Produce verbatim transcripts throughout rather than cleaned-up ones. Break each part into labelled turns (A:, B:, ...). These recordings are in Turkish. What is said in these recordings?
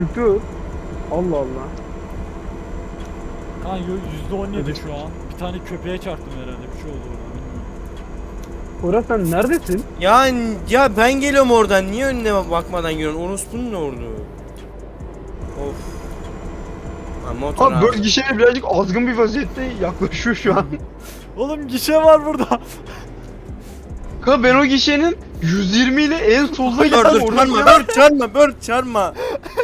A: Dur. Allah Allah.
B: Kanka yüzde on yedi şu an. Bir tane köpeğe çarptım herhalde, bir şey oldu orada.
A: Orası sen neredesin?
C: Ya ya ben geliyorum oradan. Niye önüne bakmadan geliyorsun? Orospu'nun ne oldu? Of. Ha, motor
A: Abi
C: abi.
A: böyle gişeye birazcık azgın bir vaziyette yaklaşıyor şu an.
B: Oğlum gişe var burada.
A: Kanka ben o gişenin yüz yirmi ile en solda
C: Dur
A: geldim.
C: dur çarpma, dur çarpma, dur çarpma.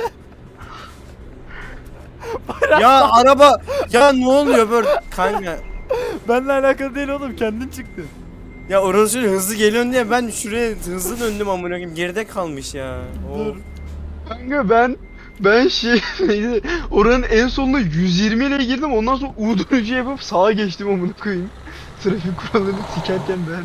C: Ya araba, ya ne oluyor böyle kanka?
B: Benimle alakalı değil oğlum, kendin çıktın.
C: Ya orası hızlı geliyorsun diye ben şuraya hızlı döndüm amına koyayım. Geride kalmış ya.
B: Dur.
C: Of.
A: Kanka ben ben şey neydi, oranın en sonuna yüz yirmi ile girdim, ondan sonra U dönüşü yapıp sağa geçtim amına koyayım. Trafik kurallarını sikerken ben.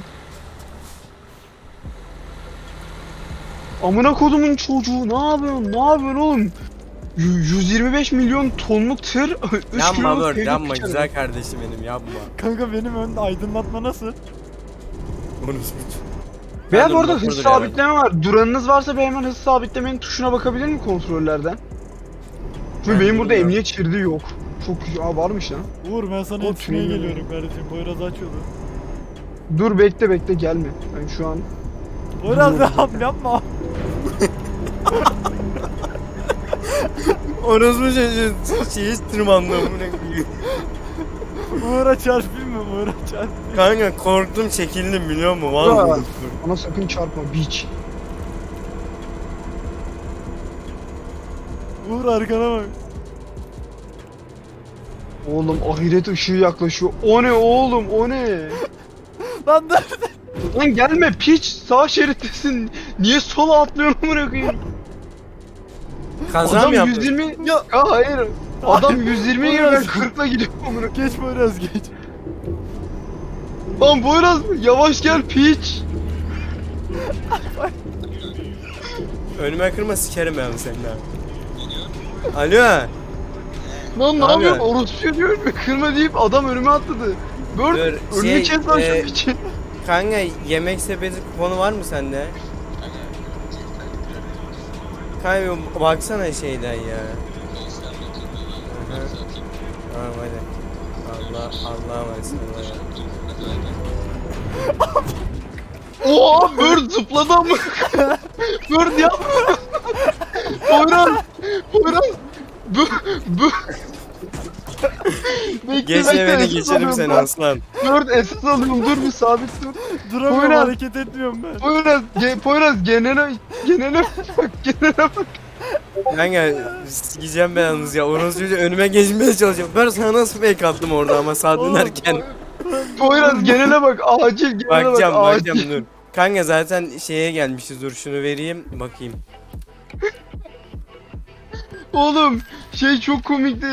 A: Amına kodumun çocuğu, ne yapıyorsun? Ne yapıyorsun oğlum? Y- yüz yirmi beş milyon tonluk tır üç
C: Yanma
A: kiloluk
C: dur,
A: peynir
C: yanma
A: kaçırdı.
C: güzel kardeşim benim, yapma.
B: Kanka benim önde aydınlatma nasıl?
C: Orospu.
A: Veya
C: Ben de
A: bu arada
C: motordur
A: hız
C: yani.
A: sabitleme var. Duranınız varsa bir hemen hız sabitlemenin tuşuna bakabilir mi kontrollerden? Çünkü
C: Ben
A: benim burada
C: bilmiyorum.
A: emniyet şeridi yok. Çok Aa, varmış lan.
B: Uğur ben sana
A: O
B: yetişmeye
A: tüneli-
B: geliyorum kardeşim. Poyraz açıyordu.
A: Dur bekle bekle gelme. Ben şu an
B: Poyraz
A: Dur.
B: yapma yapma.
C: Orospu çocuğu şeyi tırmandı amına koyayım.
B: Uğur'a çarpayım mı? Uğur'a çarpayım.
C: Kanka korktum, çekildim biliyor musun?
A: Aa.
C: Vallahi.
A: Ona sakın çarpma biç.
B: Uğur arkana bak.
A: Oğlum ahiret ışığı yaklaşıyor. O ne oğlum o ne?
B: Lan dur.
A: Lan gelme piç, sağ şerittesin. Niye sola atlıyorsun amına koyayım?
C: Kaza
A: Adam
C: mı yaptın?
A: yüz yirmi ya Aa, hayır. Adam yüz yirmi ile ben kırkla gidiyorum amına.
B: Geç Poyraz geç.
A: Lan Boyraz yavaş gel piç.
C: Önüme kırma, sikerim ben seni ha. Alo.
A: Lan ne
C: Abi.
A: yapıyorsun? Orospu diyor önüme kırma deyip adam önüme atladı. Bör
C: Dur,
A: önünü
C: şey,
A: kes lan şu
C: e,
A: piçi.
C: Kanka yemek sepeti kuponu var mı sende? Kanka baksana şeyden ya. Hı hı. Tamam hadi. Allah Allah'a emanet ol.
A: Oha Bird zıpladı ama. Bird yapma. Poyraz. Poyraz. Bu bu. Bekle,
C: Geç
A: bekle,
C: beni
A: esas
C: geçerim
A: alıyorum
C: seni
A: ben.
C: aslan.
A: Bird esas alıyorum, dur bir sabit dur.
B: Duramıyorum,
A: Poyraz.
B: hareket etmiyorum ben.
A: Poyraz, ge, Poyraz genele genele bak, genele bak.
C: Kanka sikeceğim ben yalnız ya. Orası çocuğu önüme geçmeye çalışıyor. Ben sana nasıl fake attım orada ama sağ
B: Oğlum,
C: dönerken.
A: Poyraz genele bak, acil genele
C: Bakacağım
A: bak,
C: bakacağım
A: acil.
C: dur. Kanka zaten şeye gelmişiz, dur şunu vereyim bakayım.
A: Oğlum şey çok komikti.